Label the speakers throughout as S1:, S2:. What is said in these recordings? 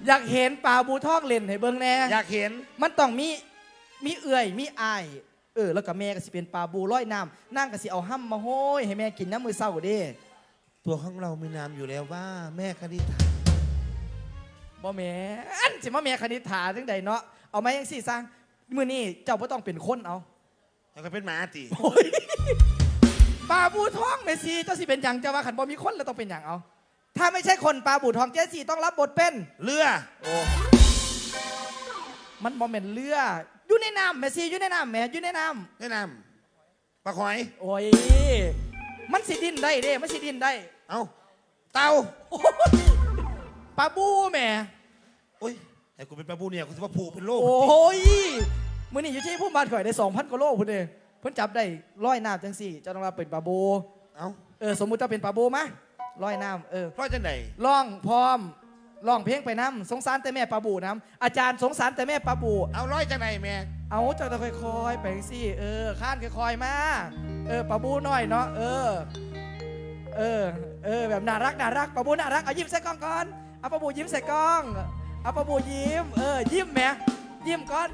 S1: อยากเห็นปลาบูทองเล่นให้เบิ่งแน่
S2: อยากเห็น
S1: มันต้องมีเอื่อยมีอายแล้วก็แม่ก็สิเป็นปลาบูร้อยน้ำนั่งก็สิเอาห้ำมาโห้ยให้แม่กินน้ำมือเศร้าเด้
S2: ตัวของเรามีนามอยู่แล้วว่าแม่คณิธา
S1: บ่แม่อันสิมาแม่คณิธาจังใดเนาะเอามายังสิสร้างมื้อนี้เจ้าบ่ต้องเป็นคนเอา
S2: แล้วก็เป็นหมาติ
S1: ปลาบูทองแม่ซีเจ้าสิเป็นหยังเจ้าว่าขันบ่มีคนแล้วต้องเป็นหยังเอาถ้าไม่ใช่คนปลาบูทองเจ๊สีต้องรับบทเป็น
S2: เรือ
S1: โอ้มันบ่แม่นเรืออยู่ในน้ำแม่ซีอยู่ในน้ำแม่อยู่ในน้
S2: ำปลาหอย
S1: โอ้ยมันสิดินได้เด้มันสิดินได้
S2: เอาเต่า
S1: ปลาบูแม่
S2: โอ้ยไอ้กูเป็นปลาบูเนี่ยกูจะมาผูกเป็นโลก
S1: โอ้ยมื้อนี้อยู่ที่พุ่มบ้านข่อยได้ 2,000 กว่าโลพุ่นเด้เพิ่นจับได้ร้อยน้ำจังสี่เจ้าต้องรับเป็นปลาบู
S2: เอา
S1: สมมุติจะเป็นปลาบูมะร้อยน้ำ
S2: ร้อยจังไหน
S1: ร้องพร้อมร้องเพลงไปน้ำสงสารแต่แม่ปลาบูน้ำอาจารย์สงสารแต่แม่ปลาบู
S2: เอาร้อยจังไหนแม่
S1: เอาเจ้าต้องค่อยๆไปสิข้านค่อยๆมาปลาบูน้อยเนาะแบบน่ารักปลาบูน่ารักเอายิ้มใส่กล้องก่อนเอาปลาบูยิ้มใส่กล้องเอาปลาบูยิ้มยิ้มแม่ยิ้มก่อน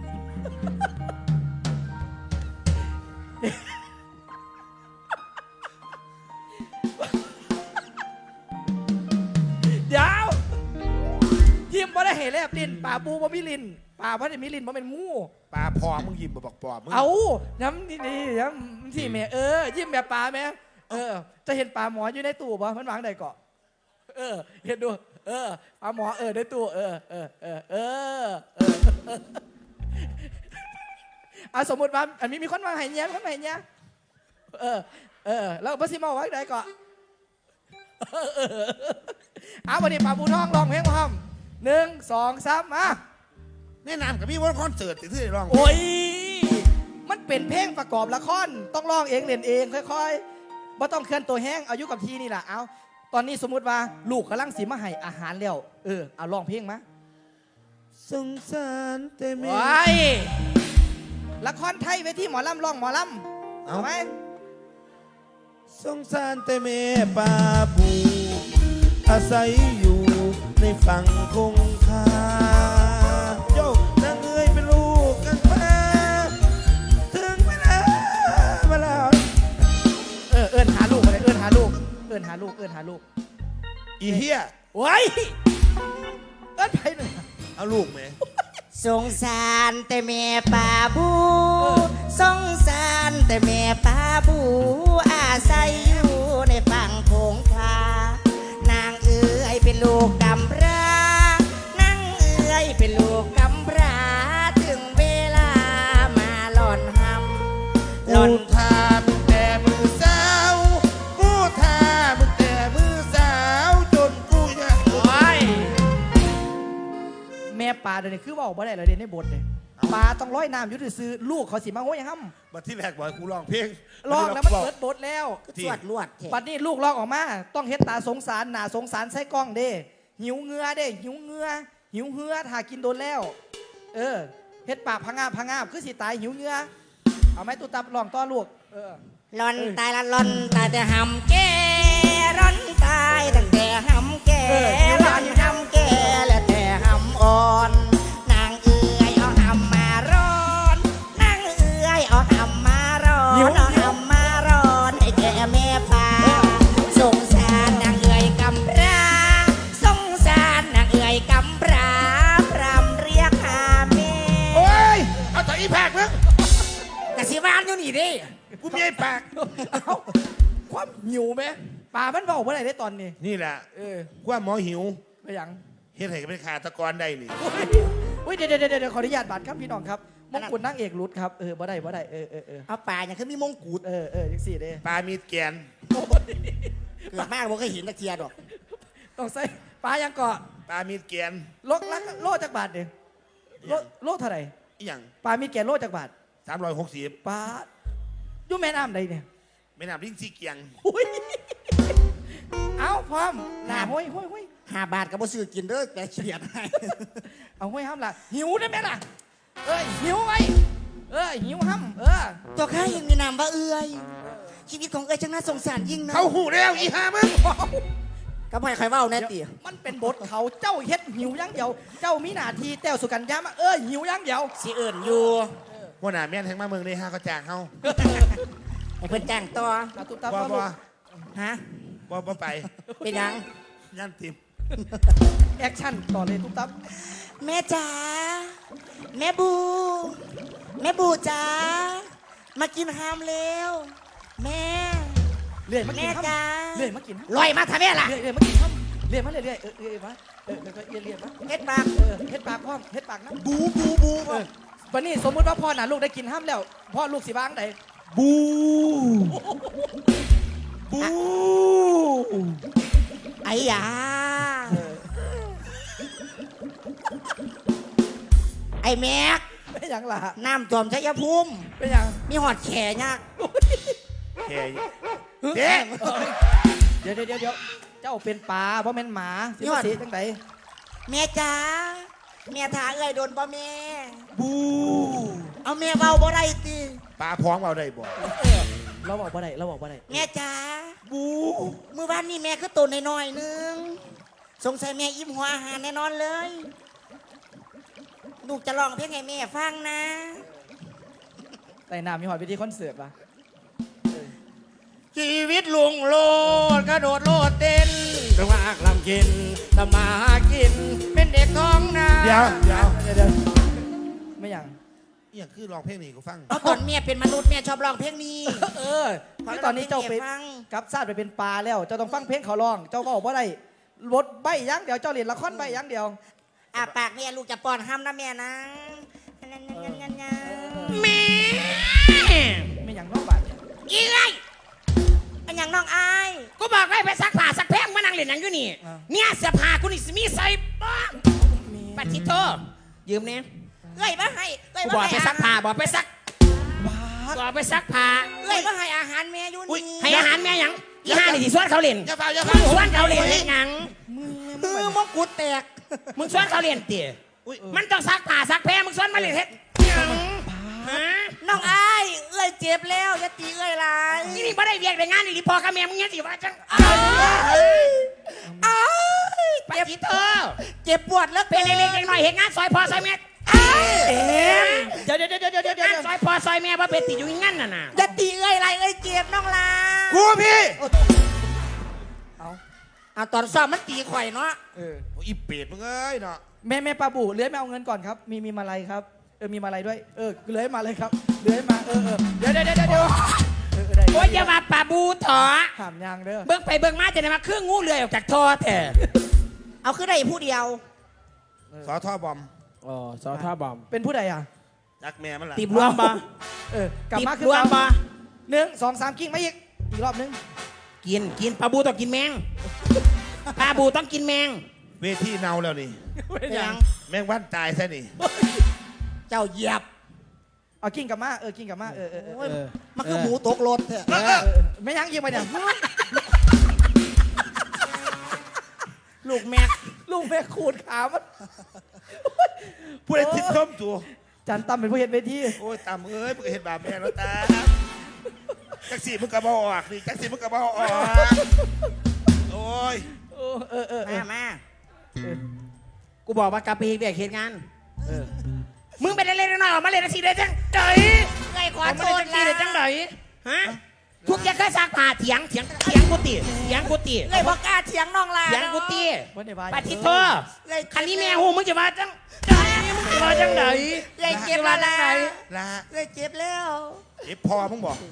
S1: เดี๋ยวยิ้มบ่ได้เห็นแลบลิ้นปลาบูบ่มีลิ้นปลาบ่ได้มีลิ้นบ่เป็นงู
S2: ปลาพอมึงยิ้มบ่บอกปอมึง
S1: เอาย้ำดีๆย้ำที่แม่ยิ้มแบบปลาแม่จะเห็นปลาหมออยู่ในตู้ป่ะมันวางใดเกาะเห็นดูปลาหมอในตู้สมมติว่าอันนี้มีคนวางไห้เนี้ยคนวางไห้เนี้ยแล้วพระสิมาวางใดเกาะวันนี้ปลาบูทองร้องเพลงพร้อม1 2 3มา
S2: แนะนำกับพี่ว่าคอนเสิร์ตที่ร้อง
S1: โอ้ยมันเป็นเพลงประกอบละครต้องร้องเองเล่นเองค่อยๆบ่ต้องเคลื่อนตัวแห้งเอายุกับทีนี่แหละเอาตอนนี้สมมุติว่าลูกกำลังสีมาให้อาหารแล้วเอาร้องเพลงมา
S2: สงสารแต่แม่
S1: ละครไทยเวทีหมอลำร้องหมอลำเอาไหม
S2: สงสารแต่แม่ปลาบูอาศัยอยู่ในฝั่งคงคาโยกนางเอ๋ยเป็นลูกกันมาถึงเวลา
S1: หาลูกอะไรหาลูก
S2: อีเหี้ย
S1: โอ้ยไปหนึ่ง
S2: เอาลูกไหม
S3: สงสารแต่แม่ปลาบูสงสารแต่แม่ปลาบูอาศัยอยู่ในฝั่งคงคานางเอ๋ยเป็นลูกกำพร้านางเอ๋ยเป็นลูกกำพร้าถึงเวลามาหล่อนหำ
S2: หล่อนทามึงแต่มือสาวกูทามึงแต่มือสาวจนกูอยาก
S1: แม่ปลาเดี๋ยวนี้คือว่าบ่ได้เลยเดี๋ยวนี้บทเลยปลาต้องร้อยน้ำยุติซื้อลูกเขาสิมาโห้ยังห้
S2: ำบัดที่แรกบอกกูร้องเพลง
S1: ร้องแล้วมันเปิดบทแล้ว
S3: สวดลวด
S1: บัดนี้ลูกร้องออกมาต้องเฮ็ดตาสงสารหน้าสงสารใส่กล้องเด้หิวเงือเด้หิวเหือถ้ากินโดนแล้วเฮ็ดปากพังงาบคือสิตายหิวเงือเอาไหมตุตับร้องต่อลูก
S3: ร้อนตายละร้อนตายแต่หำแก่ร้อนตายตั้งแต่หำแก่ร้อนหำแก่และแต่หำอ่อนนางเอื้อยเอาหำมาร้อนนางเอื้อยเอาหำมาร้อนเอาหำมาร้อนไอ้แก่แม่ปลาสงสารนางเอื้อยกำพร้าสงสารนางเอื้อยกำพร้าพรำเรียกหาแม่
S2: โอ้ยเอาต่ออีแพกมึง
S3: กะสิบ้านอยู่นี่ดิ
S2: กูมีไอ้ปาก
S1: ความหิวไหมปลามันบอกว่าอะไรได้ตอนนี้
S2: นี่แหละว่าหมอหิว
S1: ไปยัง
S2: เฮ็ดให้เป็นขาตะกอนได้นี่
S1: เดี๋ยวขออนุญาตบัตรครับพี่น้องครับมงกุฎนางเอกรุดครับบ่ได้
S3: เอาปลาอย่างคือมีมงกุฎ
S1: ยังสี่เด้
S2: ปลามีแกน
S3: เกิดมากบ่เคยเห็นตะเคียนหรอก
S1: ต้องใส่ปลายังเกาะ
S2: ปลามีแกน
S1: โลจากบาทเด้โลเท่าไหร่
S2: อีหยัง
S1: ปลามีแกนโลจากบาท
S2: 360
S1: ปลาอยู่แม่น้ำใดเนี่ย
S2: แม่น้ำลิงสีเกียง
S1: เอาพร้อมหน้าห้อย
S3: 5 บาทกับบ่ซื้อกินเด้อแต่เฉียดให้
S1: เอาห้อยห้ำล่ะหิวได้ไหมล่ะหิวไว้หิวห้ำ
S3: ตัวข้ายังมีนามว่าเอื้อยชีวิตของเอื้อยช่างน่าสงสารยิ่งนะ
S2: เขาหูแล้วอีห่ามึง
S3: ก็ไม่ใครเว้าแน่ติ
S1: มันเป็นบทเขาเจ้าเฮ็ดหิวอยังเดียว เจ้ามีหน้าที่แต้วสุกัญญามาหิวอยังเดียว
S3: สิเอิ่นอยู่
S2: หัวหน้าแม่นแทงมาเมืองนี่ฮะเขาจ้างเฮา
S3: ให้เพิ่นจ้างต่อ
S1: เอาตุ๊บตับ
S2: บ่
S1: เอาลู
S2: บ่
S1: ก
S3: ฮะ
S2: บ่ไป
S3: เป็นหยัง
S2: ยันติม
S1: แอคชั่นต่อเลยตุ๊บตับ
S3: แม่จ๋าแม่บูแม่บูจ๋ามากินฮามเร็วแม่
S1: เรื่อยมากิน
S3: แม่จ๊ะ
S1: เรื่อยมากิน
S3: ลอยมาทำแม่ล่ะ
S1: เรื่อยมากินครับเรื่อยมาเรื่อยเรื่อยมาแล้วก็เรื่อยมา
S3: เฮ็ดปาก
S1: เฮ็ดปากพร้อมเฮ็ดปากนะ
S3: บู
S1: วันนี้สมมุติว่าพ่อน่ะลูกได้กินห้ามแล้วพ่อลูกสิบ้างใด
S2: บูบู
S3: ไอ้ยาไอ้แม็ก
S1: เป็นหยังล่ะ
S3: น้ำท่วมชัยภูมิ
S1: เป็นหยัง
S3: มีหอดแขยาก
S2: แค่เด็ก
S1: เดี๋ยวเจ้าเป็นปลาเพราะแม่นหมาสิมาสีจังได
S3: แม่จ๋าแม่ถาเอ้ยโดนบ่แม่
S2: บู
S3: เอาแม่เบาบ่ได้ติ
S2: ปลาพร้องเอาได้บ่
S1: เราบอกว่าไดเราบอกว่าได
S3: แม่จ๋า
S2: บู
S3: เมื่อวานนี้แม่ก็ตัวน้อยๆนึงสงสัยแม่อิ่มหัวอาหารแน่นอนเลยลูกจะร้องเพลงให้แม่ฟังนะ
S1: แต่น้ำมีหอยไปที่คอนเสิร์ตปะ
S3: ชีวิตลุงโลดกระโดดโลดเต้นระวากลำกินทำมาหากิน เป็นเด็กท้องนา
S2: เดี๋ยว
S1: ไม่หยัง
S2: อหย่างคือร้องเพลงนี้กูฟัง
S3: เพราะตอนแม่เป็นมนุษย์แม่ชอบร้องเพลงนี้
S1: ที่ตอนนี้เจ้าไป
S3: ฟัง
S1: กับซาดไปเป็นปลาแล้วเจ้าต้องฟังเพลงเขาร้อง เจ้าก็บอกว่าได้รถใบอยังเดียวเจ้าเรียนละครใบอยังเดียว
S3: ปากแม่ลูกจะป้อนห้ามนะแม่นะแม่
S1: ไม่หยังน้องบาดเนี่ย
S3: อีไรอันอย่างน้องอาย
S4: กูบอกให้ไปซักผ้าซักแพงมานั่งเล่นหนังอยู่นี่ เนี่ยเสื้อผ้ากูนี่สิมีใส่บ้างปฏิโทยืมเนี่ย
S3: เอ้ยมาให้เอ้ย
S4: กู
S3: มา
S4: บอก
S3: ให้
S4: ไปซักผ้าบอกไปซัก
S1: บาด
S4: บอกไปซักผ้า
S3: เอ้ยมาให้อาหารแม่อยู่นี่
S4: ให้อาหารแม่หยังอีห่านี่ที่สวนเขาเล่น
S2: อย่าเฝ้าอย่า
S4: มึ
S2: เฝ้าง
S4: สวนเขาเล่นเฮ็ดหยัง
S3: มงกุฎแตก
S4: มึงสวนเขาเล่นเตี๋ย
S2: อุ้ย
S4: มันต้องซักผ้าซักแพงมึงสวนมาเล่นเฮ็ดหยังฮะ
S3: น้องอายเอ้ยเจ็บแล้วอย่าตีเอ้ยหลาย
S4: นี่นี่บ่ได้เวียกได้งานนี่ดิพอกับแม่มึงเนี่ยสิว่าจัง
S3: อ้าย
S4: ปฏิโท
S3: เจ็บปวดแล้ว
S4: เป็นเล็กๆน้อยๆเฮ็ดงานซอยพ่อซอยแม่
S1: เดี๋ยว
S4: งานซอยพ่อซอยแม่บ่เป็นติดอยู่งั้นน่ะนะ
S3: อย่าตีเอ้ยหลายเอ้ยเจ็บน้องลา
S2: กูพี่
S3: เอาตอนซ้อมมันตีข่อยเนาะ
S2: อีเป็ดมึงเอ้ยเนาะ
S1: แม่ปลาบูเลื้อยมาเอาเงินก่อนครับ มีมาลัยครับมีมาลัยด้วยเลื้อยมาเลยครับเลื้อยมาเดี๋ยวได้
S4: โอ้ยอย่ามาป่าบูถอ
S1: ถามยางเด้อ
S4: เบิ่งไปเบิ่งมาจะได้มาเครื่องงูเลื่อยออกจากท่อแท้
S3: เอาขึ้นได้ผู้เดียว
S2: สอท่อบอม
S4: อ๋อซอท่าบอม
S1: เป็นผู้ใดอ่ะ
S2: รักแม่มันล่ะ
S4: ตีบรวมบ่
S1: กลับ
S4: ตี
S1: มา
S4: บ
S1: คือ
S4: รวม
S1: เก่า
S4: บ่
S1: 1 2 3กิ้งมาอีกรอบนึง
S4: กินปลาบูต้องกินแมงปลาบูต้องกินแมง
S2: เวทีเนาแล้วนี่
S1: เป็น
S3: ยั
S1: ยัง ง
S2: แม่งวันตายซะนี่
S3: เจ้าเหยียบ
S1: เอากิ้งกลับมากิ้งกลับมา
S3: โอ้ยมันคือหมูตกรถเถอะ
S1: ไม่ยังยิงไปเนี่ย
S3: ลูกแม็ก
S1: ลูกแม่ขูดขามัน
S2: ผู้ใดติดส้มตัว
S1: จันตั้มเป็นผู้เห็นเวที
S2: โอ้ยตามเอ้ยมึงก็เห็นบาปแม่แล้วตาจักสีมึงกระบอออกดิจักสีมึงกระบอออกโอ้ย
S3: มา
S4: กูบอกว่ากลับไปเวียกเหตุงานมึงไปเล่นๆน้อยๆออกมาเล่นสิได้จังได
S3: เอ้ยขอ
S4: ออก
S3: โท
S4: มาเล่
S3: ษ
S4: นจัง
S3: นะ
S4: สิได้จังไดฮะทุกอย่างเคยซักผ้าเถียงกูติเถียงกูติ
S3: เอ้ยบอกกล้าเถียงน้องลา
S4: เถียงกูติ
S1: วันเดียว
S4: ปฏิโทคันนี้แม่หูมึงจะมาจังมึงจะมาจังได
S3: เอ้ยเจ็บแล้วนะ
S2: ละ
S3: เอ้ยเจ็บแล้ว
S2: เจ็บพอมึงบอก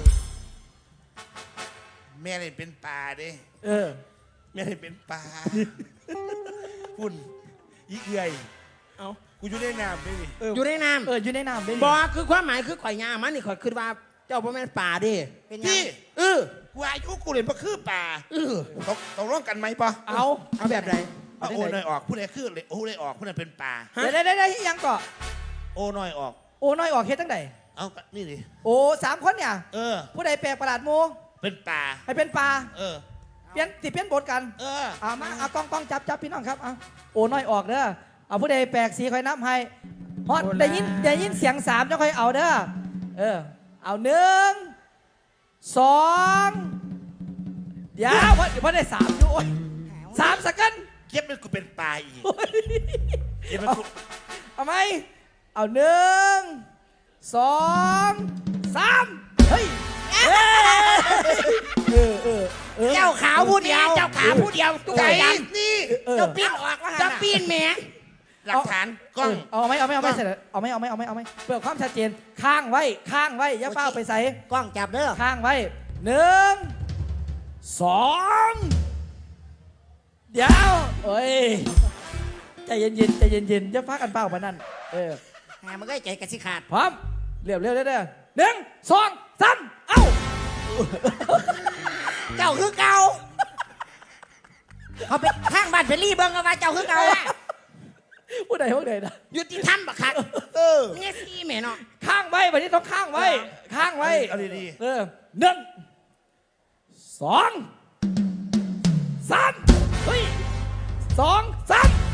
S2: แม่เนี่ยเป็นป่าเด้แม่เนี่ยเป็นป่าคุณอีเอื่อย
S4: เอา
S2: กูอยู่ในน้ำด้วยนี่
S4: อยู่ในน้ำ
S1: อยู่ในน้ำได้
S4: บอกคือความหมายคือข่อยยามันนี่ข่อยคือว่าเจ้าพ่อแม่นป่าดิ
S3: เป็นยัง
S2: พี่ กูอายุกูเรียนมาคือป่าตกร่วมกันไหมปะ
S1: เอา
S4: เอาแบบไหน
S2: เอาโอ้หน่อยออกผู้ใดคือเลยโอ้เลยออกผู้นั้นเป็นป่า
S1: ได้ยังเกาะ
S2: โอ้หน่อยออก
S1: โอ้น้อยออกเฮ็ดตั้งไหน
S2: เอานี่ดิ
S1: โอ้3 คนเนี่ย ผู้ใดแปลกประหลาดโม
S2: เป็นป่า
S1: ให้เป็นปลา
S2: เปลี่ยน
S1: เปลี่ยนบทกัน เอามาเอากล้องจับพี่น้องครับเอาโอ้น้อยออกเด้อเอาผู้ใดแปลกสีคอยนับให้ฮอตได้ยินเสียง3จะค่อยเอาเด้อเอา1 2เดี๋ยวเพราะได้3อยู่โอ้ย 3สักกัน
S2: เก็บเป็นกูเป็นปลาอีกเก็บเป็นกู
S1: เอาไหมเอา1 2 3เฮ้ย
S3: เจ้าขาวผู้เดียว
S4: เจ้าขาผู้เดียวตัว
S2: ใจ
S4: ใหญ่
S2: นี่
S3: เจ้าปิ้นออกว่า
S4: จะปีนแหม
S2: หลักฐานกล้อง
S1: เอาไหมเสร็จเอาไหมเพื่อความชัดเจนข้างไว้อย่าเฝ้าไปใส่
S3: กล้องจับเด้อ
S1: ข้างไว้1 2เดี๋ยวเอ้ยใจเย็นอย่าฟ้ากันเปล่าปะนั่น
S3: หามันก็ใจกระสิขาด
S1: พร้อมเร็ว1 2 3เอ้า
S3: เจ้าคือเก่าเขาไปทางบ้านเพลี่เบิ้งกันว่าเจ้าคือเก่าอะ
S1: ผู้ใดนะ
S4: ยุติธรรมบักคักเนี่ยสิแม่เนาะ
S1: ข้างไว้วันนี้ต้องข้างไว้
S2: เอาดี
S1: 1 2 3เฮ้ย2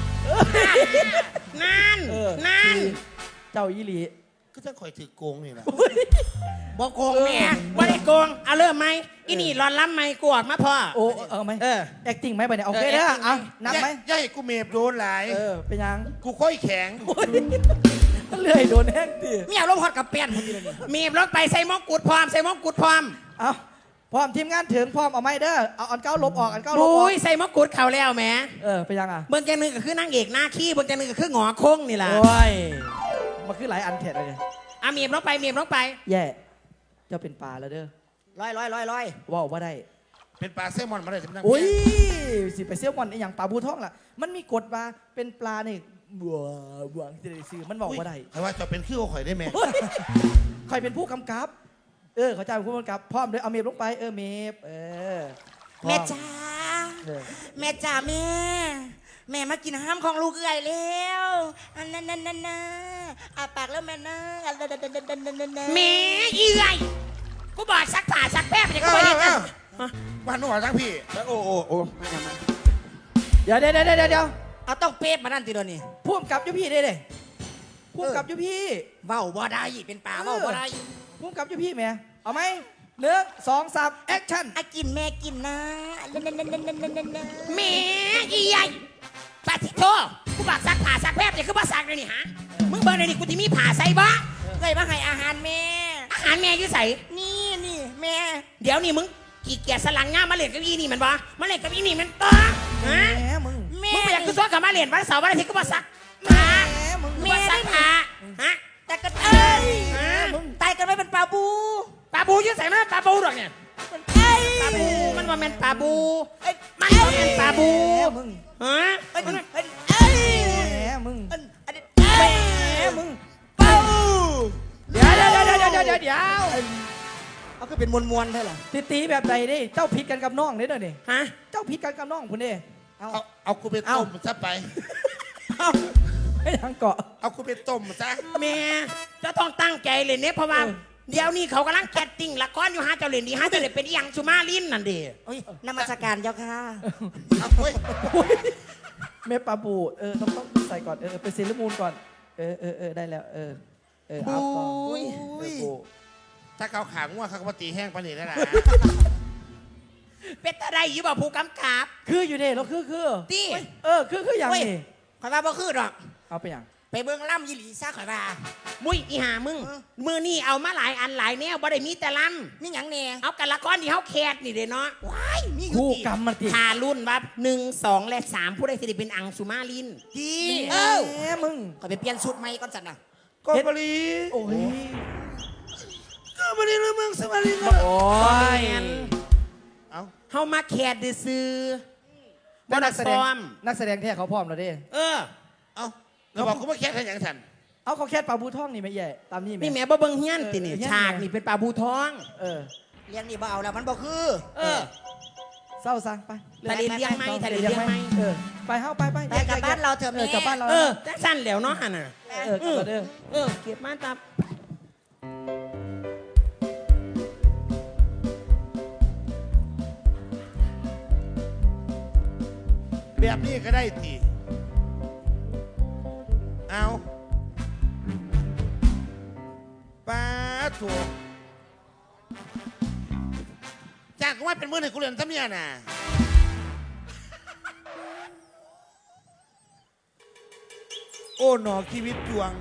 S1: 3
S4: นั่น
S1: เจ้าอีหลี
S2: ๆก็จะคอยถือโกงนี่แหละ
S4: บอกโกงแม่บ่ได้โกงเอาเริ่มไหมอีนี่รอนล้ำไหมกวดมาพ่อ
S1: โอ้เอาไหมacting ไหมไปเนี่ยโอเคเด้อเอานับไหม
S2: ย่าให้กูเมฟโดนหลาย
S1: เป็นยัง
S2: กูค่อยแข็ง
S1: เลื่อยโดนแห้งตี
S3: เมียลมฮอดกับเปียนคนเดียวนี่
S4: มีบรถไปใส่มงกุฎพร้อมใส่มงกุฎพร้อม
S1: เอาพร้อมทีมงานถึงพร้อมเอาไหมเด้อเอาอันเก้าลบออกอันเก้าลบอ
S4: บุ้
S1: อก
S4: ยใส่มงกุฎเขาแล้วแหม่
S1: เป็นยังอ่ะ
S4: เบิ่งแกนึงก็คือนางเอกหน้าขี้เบิ่งแกนึงก็คือหงอโค้งนี่ล่ะ
S1: โอ้ยมันคือหลายอันเท็ดเลย
S4: อ่ะมีบรถไปมีบรถไป
S1: แย่เจ้าเป็นปลาแล้วเด้อ
S3: ลอย
S1: ว้าวว่าได้
S2: เป็นปลาแซลมอนมาเลยสำนัก
S1: โอ้ยสิไปเซี่ยวมอนไออย่างปลาบูท่องล่ะมันมีกฎว่าเป็นปลาเนี่ยบัวจะได้ซื้อมันบอกว่าได้
S2: แต่ว่าจะเป็นขี้โอข่อยได้ไหม
S1: ใครเป็นผู้กำกับเขาจะเป็นผู้กำกับพร้อมเลยเอาเมฟลงไปเมฟ
S3: แม่จ๋าแม่จ๋าแม่มากินห้ามของลูกเอื่อยแล้วอันนั้นอาปากแล้วแม่นะ
S4: แหม่อีไงกูบอกซักผ้าซักแป๊บเนี่ยกูบอกเนี่ย
S2: บ้านนู้นทั้งพี่โอ้
S1: เดี๋ยว
S3: เอาต้องเป๊ะมานั่นทีเดียวนี่
S1: ผู้กำกับยุพี่ได้เลยผู้กำกับยุพี่
S3: เว้าบ่ได้เป็นป่าเว้าบ่ได้
S1: ผู้กำกับยุพี่แม่เอาไหม1 2 3แอคชั่น
S3: อากินแม่กินนะ
S4: แหม่อีไงปาทิโตกูบอกซักผ้าซักแป๊บเนี่ยคือว่าซักเลยนี่ฮะมึงเบิ่งเลยนี่กูที่มีผ้าใส่บ่
S3: เคยมาให้อาหารแม่
S4: อาหารแม่อยู่ใส่
S3: นี่แม่
S4: เดี๋ยวนี่มึงกี่เกียร์สลังง่ามมาเล่นกับอีนี่มันบ่มาเล่นกับอีนี่มันต่อฮะ
S1: แหมมึง
S3: แม่
S4: มึงไปอยากคือซ้อนกับมาเล่นวันเสาร์วันอาทิตย์ก็มาซักมา
S1: มึง
S4: กูมาซักผ้าฮะ
S3: แต่กันเอ้ย
S4: มึง
S3: ตายกันไม่เป็นปลาบู
S4: ปลาบูอยู่ใส่มาปลาบูดอกเนี่ย
S3: เอ้ย
S4: ปลาบูมันว่าแม่นปลาบู
S3: เอ้ย
S4: มันว่าแม่นปลาบู
S1: มึง
S4: ฮะ
S3: เอ้ย
S4: มัน
S3: เอ้ยเอ้ย
S1: แหมมึง
S3: อันนี้เอ้ย
S1: มึง
S3: เป้า
S1: เดี๋ยว
S3: เอาก็เป็นมวลๆใช่หรอ
S1: ตีแบบใดดิเจ้าผิดกันกับน้องเนี่ยเด้อนี่
S4: ฮะ
S1: เจ้าผิดกันกับน้องคุณเด้
S2: เอากูไปต้มซะไป
S1: ไม่ยังเกาะ
S2: เอากูไปต้มซะ
S4: แม่จะต้องตั้งใจเล่นเนี่ยเพราะว่าเดี๋ยวนี้เขากำลังแคสติ้งละครอยู่ฮะเจ้าเล่นดีฮะเจ้าเล่นเป็นอีหยังสุมาลินนั่นเด้
S3: โอ้ยนมัสการเจ้าค่ะ
S2: เอาเว้ย
S1: เมปลาบูต้องใส่ก่อนไปเซเลมูนก่อนได้แล้วเอาต่อ
S2: ถ้าเขาขาง่วงเขาก็มาตีแห้งปานนี่แล้วนะ
S4: เป็นอะไรอยู่บ่ผู้กำกับ
S1: คืออยู่เด้แล้วคือ
S4: ตี
S1: คืออย่างนี้
S3: ข่อยว่าบ่คือดอก
S1: เอาไปอย่าง
S3: ไปเบิ่งล่ำยีหลีซะข่อยว่า
S4: มุ้ยอีหามึงมือนี่เอามาหลายอันหลายแนวบ่ได้มีแต่ล
S3: มีหยังแน่
S4: ำเอากันละครที่เขาแคสนี่เด้เนาะ
S3: ว้ายมีอยู่
S1: คู่
S3: ติ
S1: กรรมมันติ
S4: ทารุ่นว่า1 2 และ 3 ผู้ใดสิได้เป็นอังสุมาลิน
S3: ดี
S1: แหมมึง
S3: ข่อยไปเปลี่ยนชุดใหม่ก่อนสันน่ะ
S2: กบลี
S1: โอ้ย
S2: กบลีแล้วมึงสวัสดี
S1: โอ้ย
S2: เอา
S4: เฮามาแคสซื้อๆบ่
S1: นั
S4: ได้
S1: กแสด
S4: ซ้
S1: ง
S4: อม
S1: นักแสดงแท้เขาพร้อมแล้วเด้
S2: เอาเราบอกกูมาแค่ทางอย่างฉัน
S1: เอาเขาแค่ปลาบูท่องนี่ไม่แย่ตามนี่
S4: นี่แม่บ่เบิ่งเฮียนตินี่
S1: เฮี้ยน
S4: ฉากนี่เป็นปลาบูทอง
S3: เลี้ยงนี่บ่เอาแล้วมันบ่คือ
S1: เศร้าซะไป
S4: ทะเลเลี้ยงไหมทะเลเลี้ยงไหม
S1: ไปเฮ้าไป
S3: ไปกลับบ้านเราเถอะแม่
S1: กลับบ้านเรา
S4: จังสั้นแล้วเนาะหั่นน่ะ
S1: กลับมาเด้อ
S4: เก็บมาตับ
S2: แบบนี้ก็ได้ตีเอาป้าถูกจ้างกูว่าเป็นมือหนึ่งกูเรียนซ้ำเนี่ยน่ะโอ้หนอชีวิตจวง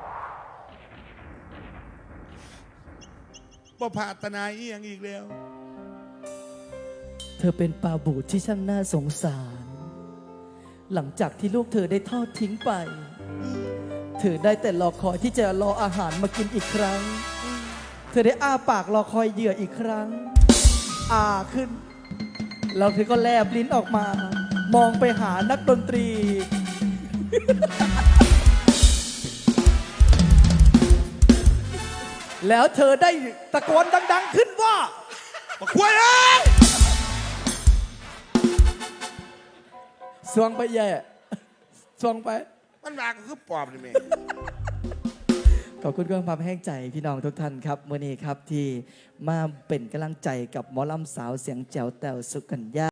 S2: บ่พาตนาอีหยังอีกแล้ว
S1: เธอเป็นปลาบูดที่ช่างน่าสงสาร หลังจากที่ลูกเธอได้ทอดทิ้งไป เธอได้แต่รอคอยที่จะรออาหารมากินอีกครั้ง เธอได้อ้าปากรอคอยเหยื่ออีกครั้งขึ้นแล้วเธอก็แลบลิ้นออกมา มองไปหานักดนตรี แล้วเธอได้ตะโกนดัง ๆ ขึ้นว่า
S2: มาคุยเอ้ย
S1: สวงไปแย่สวงไป
S2: มันมาก็คือปอบนี่แม่
S1: ขอบคุณความแห้งใจพี่น้องทุกท่านครับเมื่อนี้ครับที่มาเป็นกำลังใจกับหมอลำสาวเสียงแจ๋วแต๋วสุกัญญา